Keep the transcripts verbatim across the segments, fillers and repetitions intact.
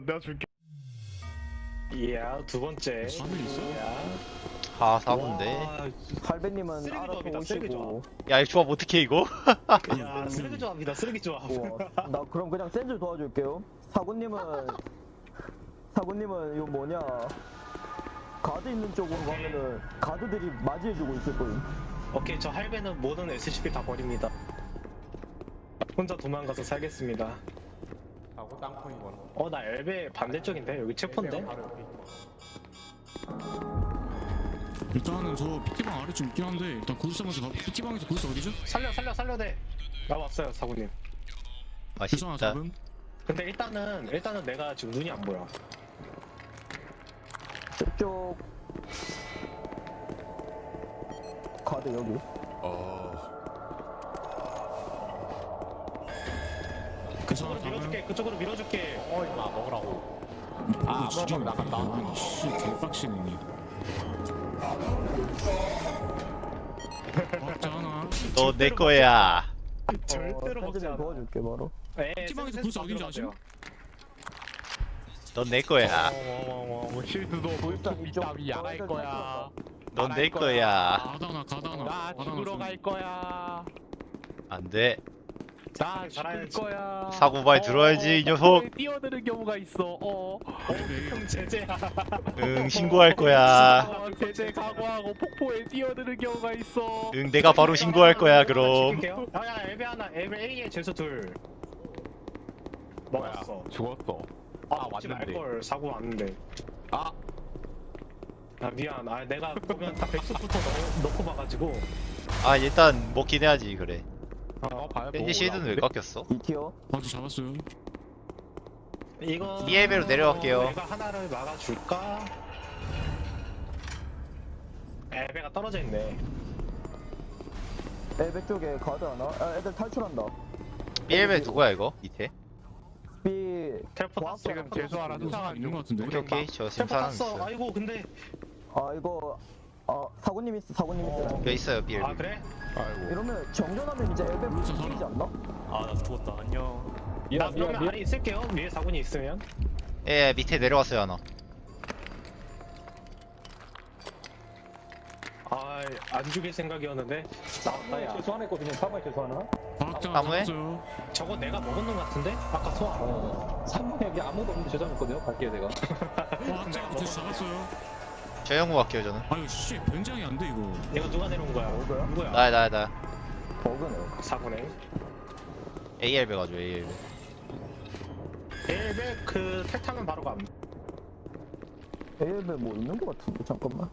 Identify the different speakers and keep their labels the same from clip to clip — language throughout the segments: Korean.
Speaker 1: 내가 줄게.
Speaker 2: 이야 두 번째.
Speaker 3: 삼 일 있어?
Speaker 2: 이야.
Speaker 4: 아 사분데.
Speaker 2: 와,
Speaker 5: 할배님은
Speaker 2: 쓰레기
Speaker 5: 알아서
Speaker 2: 조합이다, 쓰레기
Speaker 5: 오시고.
Speaker 4: 야 이 조합 어떻게 이거?
Speaker 2: 야 쓰레기 조합이다 쓰레기 조합.
Speaker 5: 우와, 나 그럼 그냥 센줄 도와줄게요. 사구님은 사구님은 이거 뭐냐 가드 있는 쪽으로 가면은 가드들이 맞이해주고 있을 거예요.
Speaker 2: 오케이 저 할배는 모든 에스씨피 다 버립니다. 혼자 도망가서 살겠습니다.
Speaker 1: 하고 땅콩이건.
Speaker 2: 어 나 엘베 반대쪽인데 여기 체포인데?
Speaker 3: 일단은 저 피티방 아래 좀 있긴 한데 일단 구일삼에서 가. 피티방에서 구일사 어디죠?
Speaker 2: 살려 살려 살려대. 나 왔어요 사구님.
Speaker 3: 구일삼
Speaker 4: 맛있다.
Speaker 3: 잡음.
Speaker 2: 근데 일단은 일단은 내가 지금 눈이 안 보여.
Speaker 5: 이쪽 가드 여기.
Speaker 2: 그쪽으로 밀어줄게 그쪽으로 밀어줄게.
Speaker 1: 어 임마 먹으라고.
Speaker 3: 아,
Speaker 1: 진짜 나간다.
Speaker 3: 아니 씨 개빡치네. 박자 하나.
Speaker 4: 너 내 거야.
Speaker 2: 절대로
Speaker 5: 어,
Speaker 2: 먹지
Speaker 5: 센줄
Speaker 2: 않아.
Speaker 5: 도와줄게 바로.
Speaker 2: 에,
Speaker 3: 피티방에서
Speaker 2: 센스
Speaker 3: 구일사 어딘지
Speaker 2: 들어가세요.
Speaker 3: 아시죠?
Speaker 4: 넌 내 거야.
Speaker 1: 어머머머 실드도
Speaker 5: 일단
Speaker 1: 뭐
Speaker 5: 이쪽
Speaker 1: 이따위 안 할
Speaker 5: 애들
Speaker 1: 거야.
Speaker 4: 넌
Speaker 1: 안
Speaker 4: 내
Speaker 1: 할
Speaker 4: 거야.
Speaker 3: 가다나 가다나.
Speaker 1: 나 죽으러 갈 거야.
Speaker 4: 안 돼.
Speaker 1: 나 죽을
Speaker 2: 살아야지.
Speaker 1: 거야.
Speaker 4: 사고 많이 들어야지, 이 녀석.
Speaker 1: 폭포에 뛰어드는 경우가 있어. 어.
Speaker 2: 형 제재야.
Speaker 4: 응 신고할 거야.
Speaker 1: 어, 제재 각오하고 폭포에 뛰어드는 경우가 있어.
Speaker 4: 응 내가 바로 신고할 거야 그럼.
Speaker 2: 야야 엘베 하나 엘베 A에 죄수 둘. 먹었어.
Speaker 1: 죽었어.
Speaker 2: 아,
Speaker 1: 아,
Speaker 2: 먹지
Speaker 1: 왔는데.
Speaker 2: 말걸 사고 왔는데.
Speaker 1: 아.
Speaker 2: 아 미안. 아 내가 보면 다 백숙부터 넣, 넣고 봐가지고.
Speaker 4: 아 일단 먹긴 해야지 그래.
Speaker 1: 어, 봐요.
Speaker 4: 밴디 실드는 왜 깎였어?
Speaker 5: 이 티어.
Speaker 3: 박자 잡았어요.
Speaker 2: 이거
Speaker 4: 이 엘베로 내려갈게요.
Speaker 2: 내가 하나를 막아줄까? 엘베가 떨어져 있네.
Speaker 5: 엘베 쪽에 가드 하나. 아, 애들 탈출한다.
Speaker 4: 삐엘베 누구야 이거? 밑에?
Speaker 5: B
Speaker 2: 텔포 탔어.
Speaker 1: 지금 재수 하나 수상한
Speaker 3: 있는 것
Speaker 1: 중.
Speaker 3: 같은데.
Speaker 4: 오케이 오케이 저
Speaker 2: 텔포
Speaker 4: 심사하는
Speaker 2: 탔어.
Speaker 4: 있어요.
Speaker 2: 아이고 근데.
Speaker 5: 아 이거 아 사구님 있어 사구님 있어.
Speaker 4: 여기 있어요 삐엘베.
Speaker 2: 아 그래?
Speaker 1: 아이고.
Speaker 5: 이러면 정전하면 이제 엘베
Speaker 3: 그렇죠,
Speaker 5: 보이지
Speaker 3: 저는.
Speaker 5: 않나?
Speaker 6: 아 나 죽었다 안녕.
Speaker 2: 나 그러면 아래 있을게요. 위에 사군이 있으면.
Speaker 4: 예 밑에 내려왔어요 하나.
Speaker 2: 아 안 죽일 생각이었는데 나왔다 야.
Speaker 7: 죄송하했거든요. 사번에 죄송하나?
Speaker 3: 박자
Speaker 4: 나무에?
Speaker 3: 잡았어요.
Speaker 2: 저거 내가 먹은 놈 같은데? 아까 소화.
Speaker 7: 어. 삼 번에 여기 아무도 없는데 죄송했거든요. 갈게요 제가.
Speaker 3: 박자 계속 잡았어요.
Speaker 4: 저 형구 갈게요 저는.
Speaker 3: 아유 씨 변장이 안 돼 이거.
Speaker 2: 이거 누가 내려온 거야?
Speaker 5: 뭐야?
Speaker 2: 누구야?
Speaker 4: 나야 나야 나.
Speaker 5: 버그네.
Speaker 2: 사군에.
Speaker 4: 에이엘베 가죠 에이엘베.
Speaker 2: 엘베 그 탈타면 바로 감.
Speaker 5: 엘베 뭐 있는 거 같은데 잠깐만.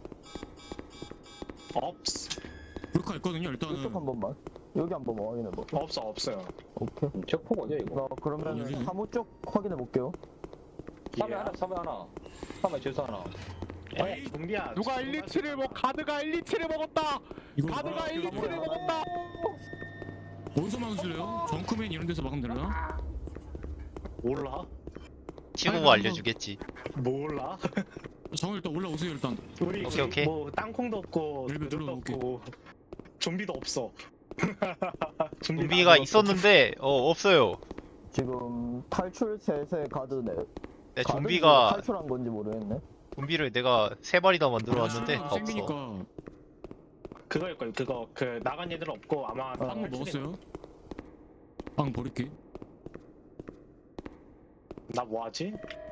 Speaker 2: 없어.
Speaker 3: 불카 있거든요
Speaker 5: 이쪽
Speaker 3: 일단은.
Speaker 5: 한 번만. 여기 한 번만 확인해 봐.
Speaker 2: 없어 없어요.
Speaker 5: 오케이.
Speaker 7: 적폭 어디야 이거?
Speaker 5: 나 그러면
Speaker 3: 열리네.
Speaker 5: 사무 쪽 확인해 볼게요.
Speaker 7: 삼에 하나, 삼에 하나. 삼에 죄송 하나.
Speaker 2: 에이 좀비야.
Speaker 1: 누가 일, 이, 칠을 먹 가드가 일, 이, 칠을 먹었다.
Speaker 3: 이거
Speaker 1: 가드가 일, 이, 칠을 먹었다.
Speaker 3: 어디서 막으실래요? 정크맨 이런 데서 막으면 되려나?
Speaker 2: 몰라?
Speaker 4: 티보고 알려주겠지.
Speaker 2: 몰라?
Speaker 3: 정 일단 올라오세요 일단.
Speaker 2: 우리
Speaker 4: 오케이, 오케이.
Speaker 2: 뭐 땅콩도 없고
Speaker 3: 일베
Speaker 2: 누도
Speaker 3: 들어올게.
Speaker 2: 없고 좀비도 없어.
Speaker 4: 좀비가 있었는데 어 없어요.
Speaker 5: 지금 탈출 셋에 가드네.
Speaker 4: 내
Speaker 5: 가든지
Speaker 4: 좀비가
Speaker 5: 탈출한 건지 모르겠네.
Speaker 4: 좀비를 내가 세 마리나 만들어 왔는데
Speaker 3: 아,
Speaker 4: 없어.
Speaker 3: 생기니까
Speaker 2: 그거일 걸. 그거 그 나간 애들 없고 아마 다
Speaker 3: 빵
Speaker 2: 탈출이-
Speaker 3: 먹었어요. 빵 버릴게.
Speaker 2: 나 뭐하지?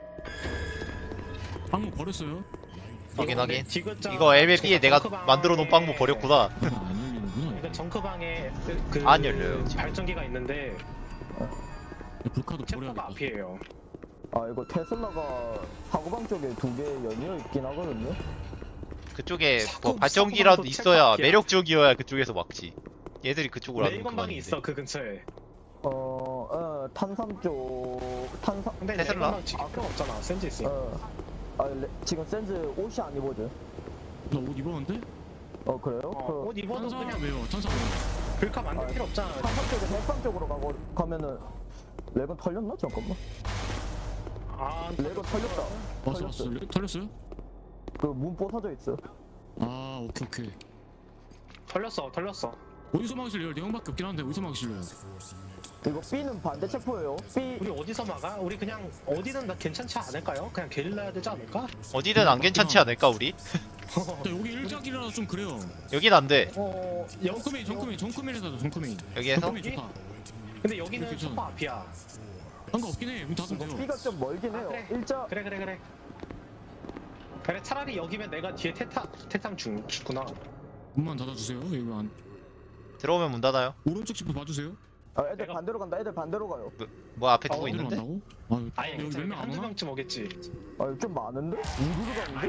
Speaker 3: 빵 버렸어요.
Speaker 4: 확인 확인.
Speaker 2: 디귿자
Speaker 4: 이거 엘베비에 내가
Speaker 2: 정크방에-
Speaker 4: 만들어 놓은 빵도 버렸구나.
Speaker 3: 아, 안 열리는구나.
Speaker 2: 이거 정크방에 그
Speaker 4: 안 열려요, 지금.
Speaker 2: 발전기가 있는데
Speaker 3: 이거. 불카도
Speaker 2: 체포가
Speaker 3: 버려야겠다.
Speaker 2: 앞이에요.
Speaker 5: 아 이거 테슬라가 사고방 쪽에 두 개 연이어 있긴 하거든요.
Speaker 4: 그쪽에
Speaker 2: 사고-
Speaker 4: 뭐 발전기라도
Speaker 2: 사고방도
Speaker 4: 있어야
Speaker 2: 체크할게요.
Speaker 4: 매력적이어야 그쪽에서 막지. 얘들이 그쪽으로 하면
Speaker 2: 레이건방이
Speaker 4: 그만인데.
Speaker 2: 있어 그 근처에.
Speaker 5: 어, 어 탄삼 쪽 탄삼.
Speaker 2: 근데
Speaker 4: 테슬라?
Speaker 2: 레이건방 지금 필요 없잖아. 센즈 있으니까.
Speaker 5: 어. 아 레, 지금 센즈 옷이 안 입어져.
Speaker 3: 나옷 입었는데?
Speaker 5: 어 그래요?
Speaker 2: 어,
Speaker 5: 그
Speaker 2: 옷 입어도
Speaker 3: 탄산
Speaker 2: 그냥
Speaker 3: 왜요? 탄산 왜요?
Speaker 2: 불카 만들
Speaker 5: 아,
Speaker 2: 필요 없잖아.
Speaker 5: 탄삼 쪽에 백방 쪽으로 가고 가면은 레건 털렸나? 잠깐만.
Speaker 2: 아,
Speaker 5: 레건 털렸다.
Speaker 3: 왔어 왔어. 레- 털렸어요?
Speaker 5: 그 문 부서져 있어.
Speaker 3: 아 오케이 오케이.
Speaker 2: 털렸어, 털렸어.
Speaker 3: 어디서 막으실래요? 네 명밖에 없긴 한데 어디서 막으실래요?
Speaker 5: 이거 B는 반대 체포예요. B
Speaker 2: 우리 어디서 막아? 우리 그냥 어디든 다 괜찮지 않을까요? 그냥 게릴라 해야 되지 않을까?
Speaker 4: 어디든 안 괜찮지 않을까 우리?
Speaker 3: 근데 여기 일작이라서 좀 그래요.
Speaker 4: 여긴 안돼.
Speaker 2: 어...
Speaker 3: 정크메인 정크메인 정크메인에서 정크메인.
Speaker 4: 여기에서?
Speaker 3: 정크메인 좋다.
Speaker 2: 근데 여기는
Speaker 3: 이렇게 좀-
Speaker 2: 소파 앞이야.
Speaker 3: 상관없긴 해. 문 닫으면 돼요.
Speaker 5: B가 좀 멀긴
Speaker 2: 아,
Speaker 5: 해요.
Speaker 2: 그래.
Speaker 5: 일자
Speaker 2: 그래 그래 그래. 그래 차라리 여기면 내가 뒤에 태타 태탕 중 죽구나.
Speaker 3: 문만 닫아주세요. 여기 안
Speaker 4: 들어오면 문 닫아요.
Speaker 3: 오른쪽 집도 봐주세요.
Speaker 5: 아, 애들
Speaker 2: 내가-
Speaker 5: 반대로 간다. 애들 반대로 가요.
Speaker 4: 뭐 앞에
Speaker 2: 어,
Speaker 4: 두고
Speaker 3: 어디로
Speaker 4: 있는데?
Speaker 3: 간다고? 아
Speaker 2: 아니
Speaker 3: 여기
Speaker 2: 괜찮아.
Speaker 3: 몇명 안
Speaker 2: 한두
Speaker 3: 오나?
Speaker 2: 명쯤 오겠지.
Speaker 5: 아, 좀 많은데? 우르르 가는데?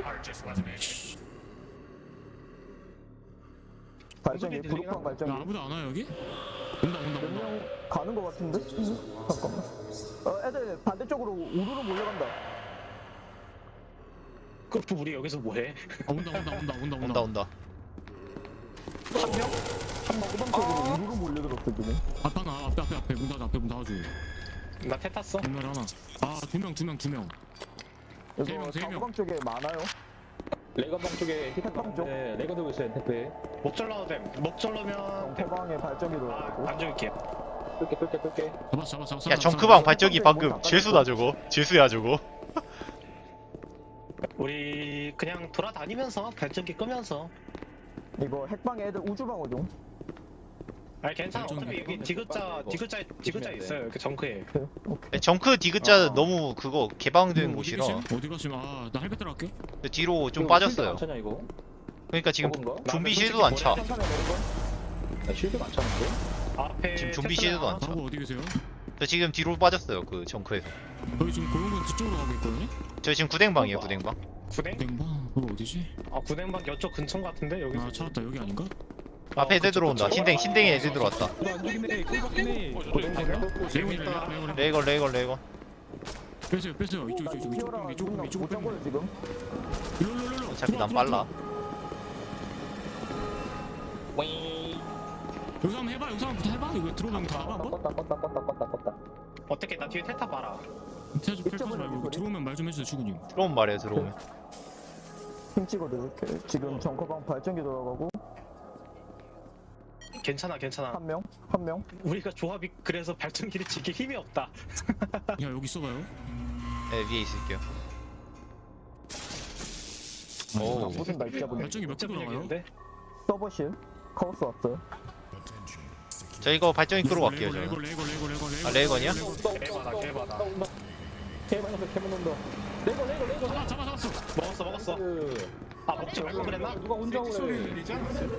Speaker 5: 발전기
Speaker 2: 소리 들리긴
Speaker 5: 부룩방
Speaker 2: 하다.
Speaker 3: 야
Speaker 5: 발전기.
Speaker 3: 아무도 안 와요 여기? 온다 온다
Speaker 5: 몇
Speaker 3: 온다.
Speaker 5: 명 가는 거 같은데? 잠깐만. 어, 애들 반대쪽으로 우르르 몰려간다.
Speaker 2: 그 우리 여기서 뭐해?
Speaker 3: 아 온다 온다 온다 온다
Speaker 4: 온다 온다.
Speaker 2: 한 명?
Speaker 5: 후방 쪽으로 우르르 몰려들었어 지금.
Speaker 3: 앞에 하나 앞에 앞에 앞에 문 닫아 앞에 문 닫아줘.
Speaker 2: 나 태 탔어.
Speaker 3: 정말 하나. 아두 명 두 명 두 명. 세
Speaker 5: 이거
Speaker 3: 명, 세 명.
Speaker 5: 후방 쪽에 많아요.
Speaker 7: 레거방 쪽에
Speaker 5: 태평 쪽?
Speaker 7: 네, 레거 들고 있어요 택배.
Speaker 2: 목줄 넣어도 돼. 목줄 넣으면
Speaker 5: 후방에 발전기
Speaker 2: 아,
Speaker 5: 들어가고.
Speaker 2: 안 줄게.
Speaker 7: 끌게 끌게 끌게.
Speaker 3: 잡았어 잡았어 잡았어.
Speaker 4: 야 정크방 발전기 방금 죄수다 저거. 죄수야 저거.
Speaker 2: 우리 그냥 돌아다니면서 발전기 끄면서.
Speaker 5: 이거 핵방에 애들 우주방어 중.
Speaker 2: 아니 괜찮아.
Speaker 3: 발전기
Speaker 2: 어차피 여기
Speaker 3: 끄고.
Speaker 2: 디귿자 디귿자 디귿자 있어요. 이렇게 정크에.
Speaker 5: 오케이. 오케이.
Speaker 4: 정크 디귿자
Speaker 2: 어.
Speaker 4: 너무 그거 개방된 곳이라
Speaker 3: 어디 가시면 아나 헬멧 들어갈게.
Speaker 4: 뒤로 좀
Speaker 7: 이거
Speaker 4: 빠졌어요.
Speaker 7: 쉴드 많잖아 이거.
Speaker 4: 그러니까 지금
Speaker 7: 저건가?
Speaker 4: 좀비
Speaker 2: 나는
Speaker 4: 실드도 안 차.
Speaker 2: 솔직히
Speaker 5: 천천히 내는 거.
Speaker 7: 나 쉴드 많잖은데.
Speaker 2: 앞에
Speaker 4: 지금 좀비
Speaker 2: 테슬라
Speaker 4: 시드도 안 차.
Speaker 3: 자고 어디 계세요?
Speaker 4: 저 지금 뒤로 빠졌어요 그 정크에서.
Speaker 3: 저희 지금 고용군 뒤쪽으로 가고 있거든요.
Speaker 4: 저 지금 구댕방이에요 구댕방.
Speaker 2: 구댕?
Speaker 3: 냉방 그거 어디지?
Speaker 2: 아 구댕방 이쪽 근처 같은데 여기.
Speaker 3: 아 찾았다 여기 아닌가?
Speaker 4: 앞에 애들 들어온다. 신댕 신댕이 애들 들어왔다.
Speaker 1: 안죽이네 꿀박이네.
Speaker 3: 레이건 레이건 레이건
Speaker 4: 레이건 레이건 레이건.
Speaker 3: 빼세요 빼세요 이쪽
Speaker 5: 나
Speaker 3: 이쪽 이쪽
Speaker 5: 튀어라.
Speaker 3: 이쪽 이쪽 이쪽
Speaker 5: 못
Speaker 3: 빼면
Speaker 5: 잡고요 지금.
Speaker 3: 일로 일로 일로.
Speaker 4: 어차피 난 빨라.
Speaker 3: 여기서 한번 해봐 여기서 한번 해봐 이거 들어오면 다 해봐 한번.
Speaker 7: 껐다 껐다 껐다 껐다 껐다.
Speaker 2: 어떻게 나 뒤에 테타 봐라.
Speaker 3: 태주 펼쳐지 말고 이거 들어오면 말 좀 해주세요 주군님.
Speaker 4: 들어오면 말해요 들어오면.
Speaker 5: 힘 찍어 드릴게. 지금 정커방 발전기 돌아가고
Speaker 2: 괜찮아 괜찮아.
Speaker 5: 한 명, 한 명.
Speaker 2: 우리가 조합이 그래서 발전기를 지킬 힘이 없다.
Speaker 3: 야 여기 있어봐요.
Speaker 4: 네 위에 있을게요.
Speaker 3: 아,
Speaker 4: 오.
Speaker 5: 무슨 날짜 보니?
Speaker 3: 발전기 몇 개
Speaker 2: 어째
Speaker 3: 돌아가요?
Speaker 2: 분위기인데?
Speaker 5: 서버실 카오스 왔어요.
Speaker 4: 저 이거 발전기 끄러 갈게요
Speaker 3: 레이건
Speaker 4: 저는.
Speaker 3: 레이건 레이건 레이건 레이건.
Speaker 4: 아, 레이건이야?
Speaker 2: 개바다 개바다.
Speaker 7: 개만 온다 개만 온다. 레거 레거 레거.
Speaker 3: 잡아 잡아 잡았어.
Speaker 2: 먹었어 먹었어.
Speaker 7: 그
Speaker 2: 아 먹지 말고 그랬나?
Speaker 7: 누가 혼자 오래.
Speaker 1: 들리지 않았어요?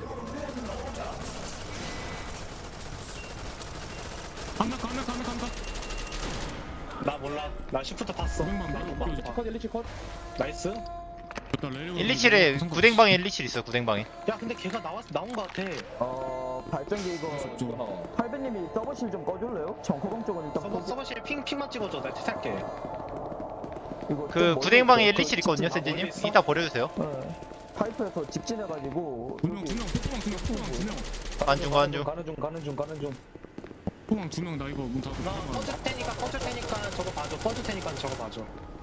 Speaker 3: 한명한명한명한명
Speaker 2: 나 몰라. 나 시프트 탔어.
Speaker 3: 고백만 나도 못 껴줘.
Speaker 7: 컷 일리치 컷.
Speaker 2: 나이스.
Speaker 3: 일단 레이건
Speaker 4: 일이칠에 구댕방에 일이칠 있어 구댕방에.
Speaker 2: 야 근데 걔가 나왔 나온 거 같아.
Speaker 5: 어 발전기 이거
Speaker 7: 어.
Speaker 5: 팔배님이 서버실 좀 꺼줄래요? 정커방 쪽은 일단
Speaker 2: 서버
Speaker 5: 포기-
Speaker 2: 서버실 핑 핑만 찍어줘. 나 탈게.
Speaker 5: 이거 좀
Speaker 4: 그
Speaker 5: 멀리
Speaker 4: 구댕방에
Speaker 5: 있어요.
Speaker 4: 일이칠 있거든요
Speaker 2: 아,
Speaker 4: 센지님.
Speaker 2: 멀리 있어?
Speaker 4: 이따 버려주세요.
Speaker 5: 네. 파이프에서 직진해가지고
Speaker 3: 두명 두명 포망 두명 포망 두명
Speaker 4: 간중 간중.
Speaker 7: 가는 중 가는 중 가는 중.
Speaker 3: 포망 두명 나 이거 문 닫고
Speaker 2: 나 꺼줄 테니까 꺼줄 테니까 저거 봐줘. 꺼줄 테니까 저거 봐줘.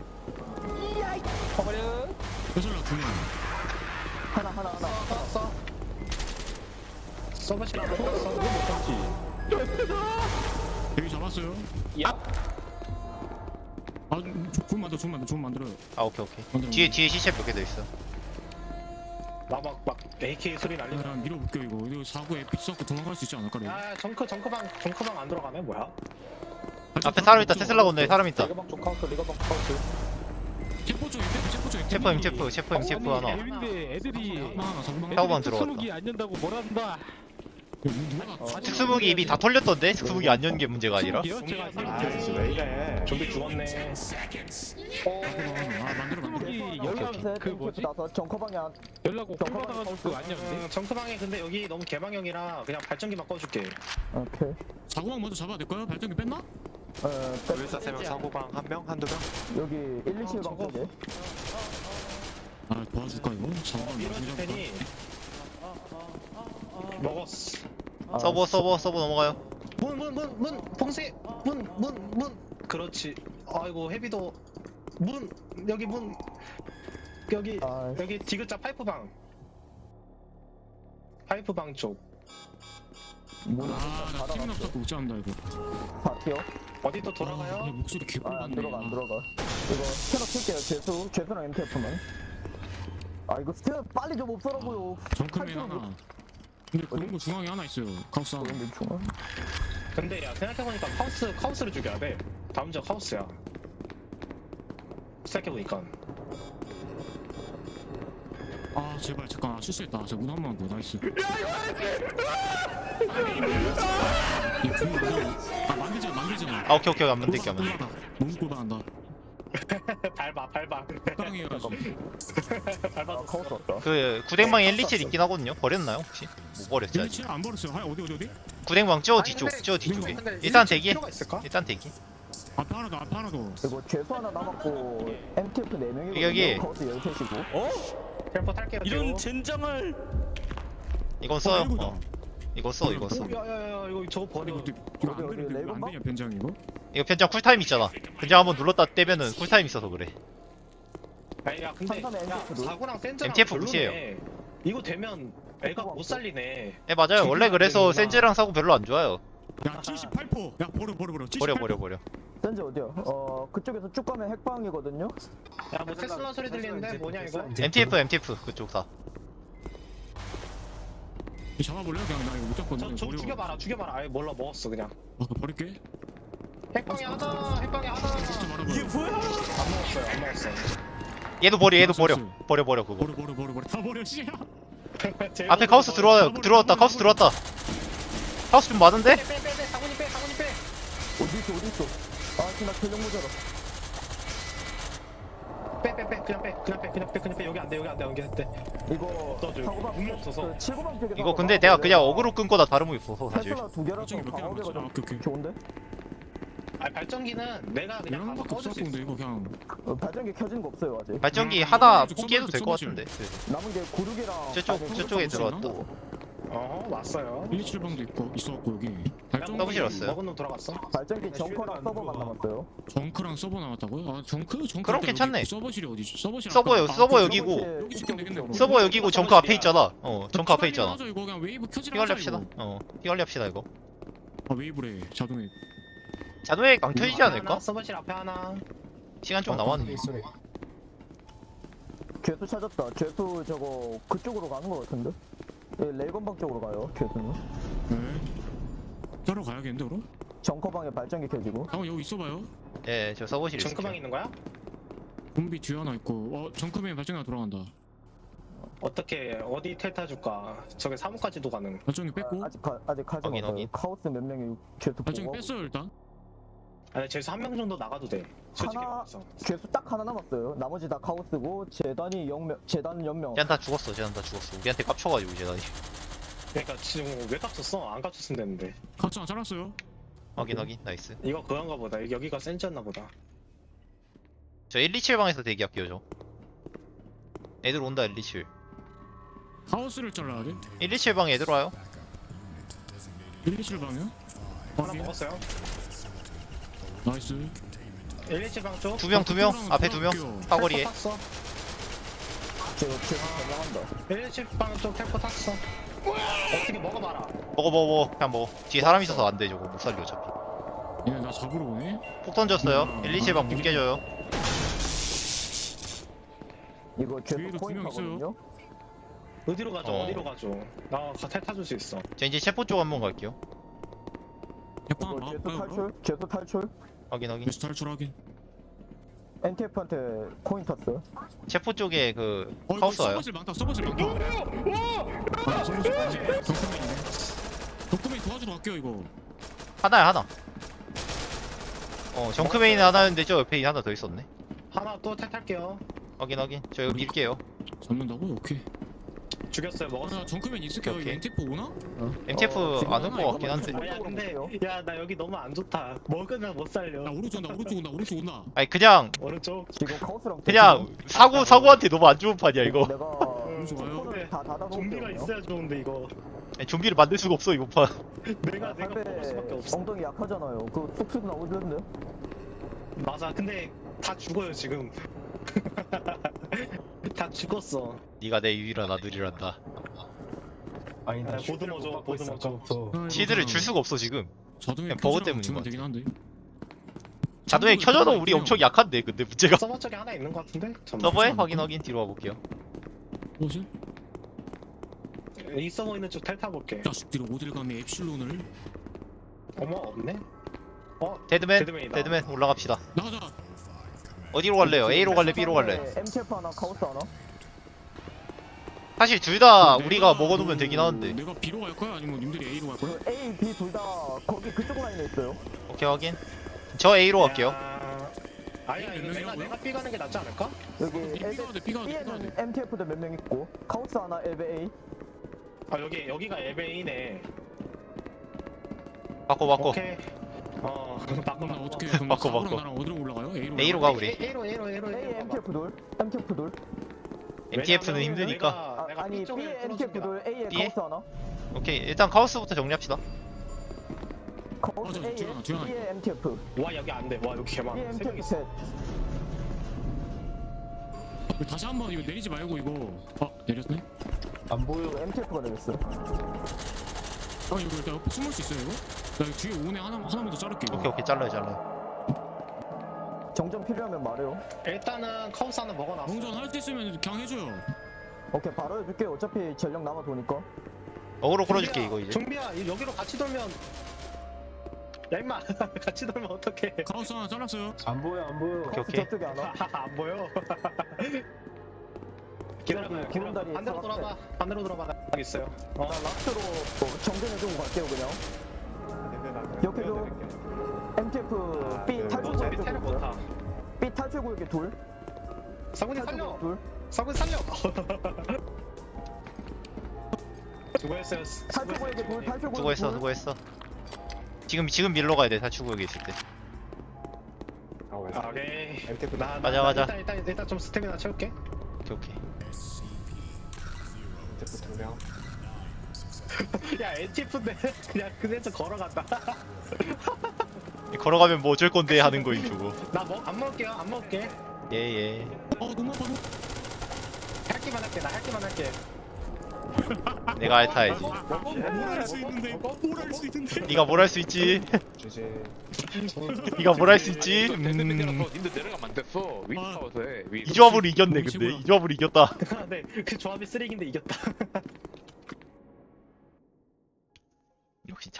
Speaker 7: 커버려.
Speaker 3: 빼설라 두명
Speaker 5: 하나 하나 하나.
Speaker 2: 꺼졌어. 서버실 하나 꺼졌어.
Speaker 3: 여기 잡았어요.
Speaker 7: 야.
Speaker 3: 아 좋은 만들어 좋은 만들어 좋은 만들어요.
Speaker 4: 아 오케이 오케이.
Speaker 3: 만들어.
Speaker 4: 뒤에 뒤에 시체 몇 개 더 있어.
Speaker 2: 나막 막 에이케이 소리 날리면.
Speaker 3: 아, 밀어볼게요 이거. 이거 사고에 삐 썩고 도망갈 수 있지 않을까 레이건?
Speaker 2: 야 정크 정크방 정크방 안 들어가네 뭐야?
Speaker 4: 앞에 사람 있다. 테슬라 건너에 사람 있다.
Speaker 7: 레거방 쪽 카운터 레거방 카운터.
Speaker 3: 체포 쪽에 체포 체포 쪽에
Speaker 4: 체포임 체포 체포임 체포 하나.
Speaker 1: 애인데 애들이
Speaker 3: 사고방 하나 사고방 하나.
Speaker 4: 사고방
Speaker 1: 애들이
Speaker 4: 들어갔다.
Speaker 1: 특수무기 안 연다고 뭐란다.
Speaker 3: 누가 나
Speaker 4: 특수무기 입이 다 털렸던데? 특수무기 안 연 게 문제가 아니라?
Speaker 1: 특수무기요? 제가
Speaker 2: 아,
Speaker 1: 지금
Speaker 2: 왜 이래? 좀비 죽었네.
Speaker 3: 아 만들어 만들어.
Speaker 1: 특수무기 연락
Speaker 5: 셋,
Speaker 1: 그
Speaker 5: 땡큐,
Speaker 1: 뭐지?
Speaker 5: 다섯 정커방에 한.
Speaker 1: 연락 올 받아가지고 그거 아니야 근데?
Speaker 2: 음, 정크방에 근데 여기 너무 개방형이라 그냥 발전기만 꺼줄게.
Speaker 5: 오케이.
Speaker 3: 사고방 먼저 잡아야 될까요? 발전기 뺐나?
Speaker 5: 어, 백-
Speaker 8: 의사 세 명, 사고방 한 명, 한두 명.
Speaker 5: 여기 일, 이, 칠 방
Speaker 2: 저거.
Speaker 5: 쪽에.
Speaker 3: 아 도와줄까 이거? 사고방
Speaker 2: 밀어줄
Speaker 3: 먼저
Speaker 2: 테니. 먹었어.
Speaker 5: 아,
Speaker 4: 서버 서버 서버 넘어가요.
Speaker 2: 문 문 문 문 봉쇄 문 문 문. 그렇지. 아이고 헤비도 문 여기 문 여기
Speaker 5: 아,
Speaker 2: 여기 디귿자 파이프방. 파이프방 쪽.
Speaker 5: 문
Speaker 3: 아나 팀이
Speaker 5: 닫아놨어.
Speaker 3: 없어서 못 잡는다 이거.
Speaker 5: 다 튀어.
Speaker 2: 어디 또
Speaker 3: 아,
Speaker 2: 돌아가요?
Speaker 3: 목소리 개꿀
Speaker 5: 아, 안
Speaker 3: 같네.
Speaker 5: 들어가 안 들어가. 이거 스캐너 킬게요. 죄수 죄수랑 엠티에프만. 아 이거 스캐너 빨리 좀 없애라고요.
Speaker 3: 정크맨 하나. 근데 그런 거 중앙에 하나 있어요. 카우스 하나.
Speaker 5: 근데 중앙.
Speaker 2: 근데 야 생각해보니까 카우스 카우스를 죽여야 돼. 다음 적 카우스야. 생각해보니까
Speaker 3: 아 제발 잠깐 아, 실수했다. 저 문 한 번만 더 나이스. 이 분명 아 만들지 마 만들지 마.
Speaker 4: 아 오케이 오케이 안 만들게 안 만들게.
Speaker 3: 너무 꼴방한다.
Speaker 2: 밟아 밟아
Speaker 3: 땅이어가지고.
Speaker 5: 아
Speaker 2: 밟아줬어.
Speaker 5: 카우스 왔다.
Speaker 4: 그 구댕방에 일리칠 있긴 하거든요. 버렸나요 혹시? 못 버렸지 아직.
Speaker 3: 일치를 안 버렸어요. 하 어디 어디 어디?
Speaker 4: 구댕방 저
Speaker 2: 아니,
Speaker 4: 뒤쪽
Speaker 2: 근데-
Speaker 4: 저 뒤쪽에.
Speaker 2: 근데
Speaker 4: 일단
Speaker 2: 일찍
Speaker 4: 대기.
Speaker 2: 필요가 있을까?
Speaker 4: 일단 대기.
Speaker 3: 앞에 하나 더 앞에 하나 더.
Speaker 5: 이거 죄수 하나 남았고 엠티에프 네 명이고
Speaker 4: 여기.
Speaker 5: 카우스 열셋이고.
Speaker 6: 어?
Speaker 2: 텔포 탈게요.
Speaker 6: 이런 젠장을
Speaker 4: 이건 써요.
Speaker 3: 아이고다.
Speaker 4: 어. 이거 써 이거 써.
Speaker 2: 야야야 이거 저거 버려.
Speaker 3: 이거 이거
Speaker 5: 어디,
Speaker 3: 안
Speaker 5: 어디,
Speaker 3: 되는데 이거 안
Speaker 5: 레이건방?
Speaker 3: 되냐 변장 이거?
Speaker 4: 이거 변장 쿨타임 있잖아. 변장 한번 눌렀다 떼면은 쿨타임 있어서 그래.
Speaker 2: 아니 야 근데
Speaker 5: 삼삼에
Speaker 2: 야
Speaker 5: 엠티에프도?
Speaker 2: 사구랑 센즈랑
Speaker 4: 엠티에프
Speaker 2: 별로네. 이거 되면 애가 못 살리네.
Speaker 4: 예 맞아요. 원래 그래서
Speaker 2: 되는구나.
Speaker 4: 센즈랑 사고 별로 안 좋아요.
Speaker 3: 야 칠십팔 퍼. 야 버려 버려 버려.
Speaker 4: 버려 버려 버려.
Speaker 5: 현재 어디야? 어 그쪽에서 쭉 가면 핵방이거든요.
Speaker 2: 야뭐 테슬라 소리 들리는데 뭐냐 이거?
Speaker 4: 엠티에프 엠티에프 그쪽 다.
Speaker 3: 잡아볼래? 그냥 나 이거 못 잡거든.
Speaker 2: 저, 저 죽여봐라 죽여봐라. 아예 몰라 먹었어 그냥.
Speaker 3: 아 그거 버릴게.
Speaker 2: 핵방이 하나 핵방이 하나.
Speaker 3: 진짜 말아봐.
Speaker 6: 이게 뭐야?
Speaker 2: 안 먹었어요 안 먹었어.
Speaker 4: 얘도 버려 얘도 버려.
Speaker 3: 알았어.
Speaker 4: 버려 버려 그거.
Speaker 3: 버려 버려 버려 버려 다 버려 씨야.
Speaker 4: 앞에 카우스 들어와요. 들어왔다 카우스 들어왔다. 카우스 좀 많은데?
Speaker 2: 빼빼빼 사군이 빼 사군이 빼.
Speaker 5: 어디 있어 어디 있어? 아 지금 나 전력 모자라.
Speaker 2: 빼빼빼 그냥 빼 그냥 빼 그냥 빼 그냥 빼 여기 안돼 여기 안돼 여기 안돼.
Speaker 5: 이거
Speaker 2: 너 저기
Speaker 5: 사고방
Speaker 2: 눈이 없어서.
Speaker 5: 그 칠구방 쪽에
Speaker 4: 이거 근데 내가 그냥 어그로 끈 거다 다름이 없어서 사실.
Speaker 5: 테슬라 두 개라서
Speaker 3: 저기 몇 개나
Speaker 5: 방어계가
Speaker 3: 남았지? 아,
Speaker 5: 좀
Speaker 3: 오케이, 오케이.
Speaker 5: 좋은데?
Speaker 2: 아 발전기는 내가 그냥
Speaker 3: 이런
Speaker 2: 가서
Speaker 3: 거밖에
Speaker 2: 꺼줄
Speaker 3: 없어
Speaker 2: 수 있어.
Speaker 3: 근데 이거 그냥
Speaker 5: 어, 발전기 켜진 거 없어요 아직.
Speaker 4: 발전기
Speaker 3: 음,
Speaker 4: 하나
Speaker 3: 서버실,
Speaker 4: 포기해도 될 것
Speaker 3: 서버실.
Speaker 4: 같은데. 네.
Speaker 5: 남은 게 구르기랑
Speaker 4: 저쪽
Speaker 5: 아니,
Speaker 4: 저쪽에
Speaker 3: 서버실
Speaker 4: 들어왔다.
Speaker 2: 어 왔어요.
Speaker 3: 일이칠 방도 있고 있어갖고 여기 발전기
Speaker 4: 서버실 왔어요.
Speaker 2: 먹은 놈 들어갔어.
Speaker 5: 발전기 정커랑 서버만 남았어요.
Speaker 3: 정크랑 서버 나왔다고요? 아 정크? 정크
Speaker 4: 그럼
Speaker 3: 일단
Speaker 4: 괜찮네.
Speaker 3: 여기 서버실이 어디지? 서버실
Speaker 4: 서버
Speaker 3: 앞에-
Speaker 4: 여기
Speaker 3: 아,
Speaker 4: 서버
Speaker 3: 그
Speaker 4: 여기고
Speaker 5: 서버실
Speaker 3: 여기 지금 되겠네, 그럼.
Speaker 4: 서버 여기고 정크 앞에 있잖아. 어 정크 앞에
Speaker 3: 피관리
Speaker 4: 있잖아.
Speaker 3: 하자, 이거 그냥 웨이브 켜지라
Speaker 4: 피관리
Speaker 3: 하자,
Speaker 4: 합시다.
Speaker 3: 이거.
Speaker 4: 어 피관리 합시다 이거.
Speaker 3: 아 웨이브래 자동에.
Speaker 4: 자동에 안 켜지지 않을까?
Speaker 2: 하나, 서버실 앞에 하나.
Speaker 4: 시간 좀 남았네.
Speaker 5: 죄수 찾았다. 죄수 저거 그쪽으로 가는 거 같은데? 예, 레이건방 쪽으로 가요. 죄수는.
Speaker 3: 네. 따로 가야겠는데 그럼?
Speaker 5: 정커방에 발전기 켜지고.
Speaker 3: 잠깐 여기 있어봐요.
Speaker 4: 예, 저 서버실 있을게요.
Speaker 2: 정크방 있는 거야?
Speaker 3: 좀비 뒤에 하나 있고 어 정크맨 발전기가 돌아간다.
Speaker 2: 어떻게 어디 텔타 줄까? 저게 사무까지도 가능.
Speaker 3: 발전기 뺐고
Speaker 5: 아, 아직 가, 아직 가지
Speaker 4: 확인,
Speaker 5: 못해요.
Speaker 4: 확인.
Speaker 5: 카오스 몇 명이 죄수
Speaker 3: 발전기
Speaker 5: 보고.
Speaker 3: 뺐어요 일단.
Speaker 2: 아니 제수 한 명 정도 나가도 돼. 솔직히
Speaker 5: 하나-
Speaker 2: 말해서.
Speaker 5: 죄수 딱 하나 남았어요. 나머지 다 카오스고 재단이 영명, 재단은 연명.
Speaker 4: 쟤는 다 죽었어. 쟤는 다 죽었어. 우리한테 깝쳐가지고 쟤다니.
Speaker 2: 그러니까 지금 왜 깝쳤어? 안 깝쳤으면 되는데.
Speaker 3: 같이 안 잘랐어요.
Speaker 4: 확인 확인. 나이스.
Speaker 2: 이거 그건가 보다. 여기가 센즈였나 보다.
Speaker 4: 저 일이칠 방에서 대기할게요 저. 애들 온다 일이칠.
Speaker 3: 하우스를 잘라야 돼.
Speaker 4: 일이칠 방에 애들 와요.
Speaker 3: 일이칠 방이요?
Speaker 2: 하나
Speaker 3: 확인.
Speaker 2: 먹었어요.
Speaker 3: 나이스.
Speaker 2: 일일칠 방 쪽.
Speaker 4: 두 명 두 명.
Speaker 3: 그쪽으로
Speaker 4: 앞에 두 명.
Speaker 3: 들어갈게요.
Speaker 4: 사거리에.
Speaker 2: 탔어.
Speaker 5: 저 죄수 전망한다.
Speaker 2: 일일칠 방 쪽 텔포 탔어. 어떻게 먹어봐라.
Speaker 4: 먹어 먹어 먹어. 그냥 먹어. 뒤에 사람 있어서 안 돼 저거 못 살려 어차피.
Speaker 3: 얘네 나 잡으러 오네.
Speaker 4: 폭 던졌어요. 일이칠 방 문 깨져요.
Speaker 5: 이거 죄수
Speaker 3: 뒤에도 두명
Speaker 5: 포인트거든요.
Speaker 2: 어디로 가죠?
Speaker 4: 어.
Speaker 2: 어. 디로 가죠? 나텔 타줄 수 있어.
Speaker 4: 저 이제 체포 쪽 한번 갈게요.
Speaker 3: 약방
Speaker 5: 이거 죄수
Speaker 3: 막을까요? 그럼?
Speaker 5: 탈출? 죄수 탈출?
Speaker 4: 확인 확인.
Speaker 3: 베스트 탈출 확인.
Speaker 5: 엔티에프한테 코인 탔어요.
Speaker 4: 체포 쪽에 그
Speaker 3: 어 이거
Speaker 4: 카우스 와요.
Speaker 3: 서버실 많다. 서버실 많다. 아 서버실 많네. 정크맨이네. 정크맨 도와주러 갈게요 이거.
Speaker 4: 하나야 하나. 어 정크메인 하나였는데 저 옆에 하나 더 있었네.
Speaker 2: 하나 또 텔 탈게요.
Speaker 4: 확인 확인. 저 이거 밀게요.
Speaker 3: 잡는다고? 오케이.
Speaker 2: 죽였어요.
Speaker 3: 아,
Speaker 2: 먹었어.
Speaker 3: 나 정크맨 있을게요.
Speaker 4: 오케이,
Speaker 3: 이거
Speaker 4: 오케이.
Speaker 3: 엔티프 오나?
Speaker 4: 엠티에프
Speaker 5: 어, 지금
Speaker 4: 안 올
Speaker 3: 하나
Speaker 4: 것 같긴
Speaker 3: 이거
Speaker 4: 한데.
Speaker 2: 야 근데 야 나 여기 너무 안 좋다. 먹으면 못 살려.
Speaker 3: 나 오른쪽 온다. 오른쪽 온다. 오른쪽 온다.
Speaker 4: 아니 그냥
Speaker 2: 오른쪽.
Speaker 5: 지금 카오스랑
Speaker 4: 그냥 사고 사고한테 너무 안 좋은 판이야 이거.
Speaker 5: 내가
Speaker 3: 오른쪽 와요.
Speaker 5: 코를 다 닫아놓을게요.
Speaker 2: 좀비가 있어야 좋은데 이거.
Speaker 4: 아니, 좀비를 만들 수가 없어 이번 판.
Speaker 2: 내가 내가 먹을 수밖에
Speaker 5: 할배
Speaker 2: 없어.
Speaker 5: 엉덩이 약하잖아요. 그 쑥쑥 나오던데.
Speaker 2: 맞아. 근데 다 죽어요 지금. 다 죽었어.
Speaker 4: 네가 내 유일한 아들이란다.
Speaker 2: 아니 나 보드모 줘 보드모 줘
Speaker 4: 시드를 줄 수가 없어 지금.
Speaker 3: 자동에
Speaker 4: 그냥 버그
Speaker 3: 켜주라고
Speaker 4: 때문인
Speaker 3: 주면
Speaker 4: 것
Speaker 3: 되긴 한데.
Speaker 4: 자동에 켜져도 우리 엄청 약한데 근데 문제가.
Speaker 2: 서버 쪽에 하나 있는 거 같은데? 잠깐만.
Speaker 4: 서버에 확인 확인 뒤로 와볼게요.
Speaker 3: 뭐지?
Speaker 2: 이 서버 있는 쪽 탈타 볼게
Speaker 3: 자식들이 어딜 감히 엡실론을
Speaker 2: 어머 없네? 어?
Speaker 4: 데드맨
Speaker 2: 데드맨이다.
Speaker 4: 데드맨 올라갑시다.
Speaker 3: 나가자.
Speaker 4: 어디로 갈래요? A로 갈래? B로 갈래?
Speaker 5: 엠티에프 하나 카오스 하나.
Speaker 4: 사실 둘 다
Speaker 3: 내가
Speaker 4: 우리가 먹어놓으면
Speaker 3: 그
Speaker 4: 되긴 하는데.
Speaker 3: 내가 B로 갈 거야? 아니면 님들이 A로 갈 거야?
Speaker 5: 그 A, B 둘 다 거기 그쪽 라인에 있어요.
Speaker 4: 오케이 확인. 저 A로 갈게요.
Speaker 2: 야, 아니야 이거 내가 내가 B 가는 게 낫지 않을까?
Speaker 5: 여기
Speaker 3: B 가야 돼, B 가야 돼, B 가야
Speaker 5: B에는
Speaker 3: 돼.
Speaker 5: 엠티에프도 몇 명 있고 카오스 하나, 엘베 A.
Speaker 2: 아 여기 여기가 엘베이네
Speaker 4: 바꿔 바꿔.
Speaker 2: 오케이 어 바꿔
Speaker 3: 그럼 나
Speaker 2: 바꿔
Speaker 3: 어떻게 그럼
Speaker 4: 바꿔,
Speaker 3: 사고랑
Speaker 4: 바꿔.
Speaker 3: 나랑 어디로 올라가요? A로
Speaker 4: A로
Speaker 3: 올라가요?
Speaker 4: 가 우리.
Speaker 2: A로 A로 A로
Speaker 5: A
Speaker 2: A로
Speaker 5: 엠티에프 둘, 엠티에프 둘.
Speaker 4: 엠티에프는
Speaker 2: 왜냐면
Speaker 4: 힘드니까.
Speaker 2: 내가-
Speaker 5: 아,
Speaker 2: 내가
Speaker 5: 아니
Speaker 2: B 쪽을
Speaker 5: B에
Speaker 2: 뚫어준
Speaker 5: 엠티에프
Speaker 2: 게
Speaker 5: 둘, A에
Speaker 4: B에?
Speaker 5: 카오스 하나.
Speaker 4: 오케이 일단 카오스부터 정리합시다.
Speaker 5: 카오스
Speaker 3: 어, 저,
Speaker 5: A에
Speaker 3: 뒤에 하나, 뒤에 하나.
Speaker 5: B에 엠티에프.
Speaker 2: 와 여기 안돼 와 여기 개많아
Speaker 5: B에
Speaker 2: 세 명
Speaker 5: 엠티에프
Speaker 2: 있어
Speaker 5: 셋.
Speaker 3: 이거 다시 한번 이거 내리지 말고 이거 아 내렸네?
Speaker 5: 안 보여. 엠티에프가 내렸어.
Speaker 3: 아 이거 일단 숨을 수 있어요 이거? 나 이거 뒤에 오네 하나, 하나만 더 자를게 이거.
Speaker 4: 오케이 오케이 잘라요 잘라요.
Speaker 5: 정전 필요하면 말해요.
Speaker 2: 일단은 카우스 하나 먹어놨어
Speaker 3: 동전 할 수 있으면 그냥 해줘요.
Speaker 5: 오케이 바로 해줄게. 어차피 전력 남아 도니까.
Speaker 4: 어그로 끌어줄게 이거 이제.
Speaker 2: 종비야 이- 여기로 같이 돌면 야 임마 같이 돌면 어떡해
Speaker 3: 카우스 하나 잘랐어요.
Speaker 7: 안 보여 안 보여.
Speaker 4: 오케이
Speaker 5: 카오스
Speaker 4: 오케이.
Speaker 5: 저쪽에 하나.
Speaker 2: 안 보여 기다려봐요
Speaker 5: 구름다리
Speaker 2: 기다려봐 반대로
Speaker 5: 사각대.
Speaker 2: 돌아봐 반대로 돌아봐 나 여기 있어요 어
Speaker 5: 나 라스트로 뭐 정전해주고 갈게요 그냥. 옆에도 엠티에프 B
Speaker 2: 너
Speaker 5: 탈출
Speaker 2: 저리
Speaker 5: 구역에
Speaker 2: 테를
Speaker 5: 둘.
Speaker 2: 못타
Speaker 5: B 탈출 구역에 둘.
Speaker 2: 사군이
Speaker 5: 탈출
Speaker 2: 살려
Speaker 5: 구역 둘.
Speaker 2: 사군이 살려 수고했어요
Speaker 5: 탈출 구역에 둘. 탈출 구역에
Speaker 4: 수고했어
Speaker 5: 둘.
Speaker 4: 수고했어. 지금 지금 밀러 가야 돼 탈출구역에 있을 때.
Speaker 2: 아, 오케이 나, 나,
Speaker 4: 맞아,
Speaker 2: 나
Speaker 4: 맞아.
Speaker 2: 일단, 일단, 일단 좀 스태미나 채울게
Speaker 4: 오케이 오케이.
Speaker 2: 야 엔티에프인데 그냥 그네서 걸어간다
Speaker 4: 걸어가면 뭐 어쩔 건데 하는 거임 저거.
Speaker 2: 나뭐안 먹을게요 안 먹을게
Speaker 4: 예예.
Speaker 3: 어 너무 아파 너무
Speaker 2: 할 기만 할게 나 할 기만 할게
Speaker 4: 내가 알타야지.
Speaker 3: 뭘할 수 있는데 뭘 할 수 있는데
Speaker 4: 네가 뭘 할 수 있지? 네가 뭘 할 수 있지? 음.
Speaker 8: 님들 내려가면 안 됐어. 위치
Speaker 3: 아.
Speaker 8: 싸워서 해. 위.
Speaker 4: 이 조합으로 이겼네
Speaker 3: 너무
Speaker 4: 근데
Speaker 3: 최고야.
Speaker 4: 이 조합으로 이겼다.
Speaker 2: 네그 조합이 쓰레기인데 이겼다
Speaker 4: 역시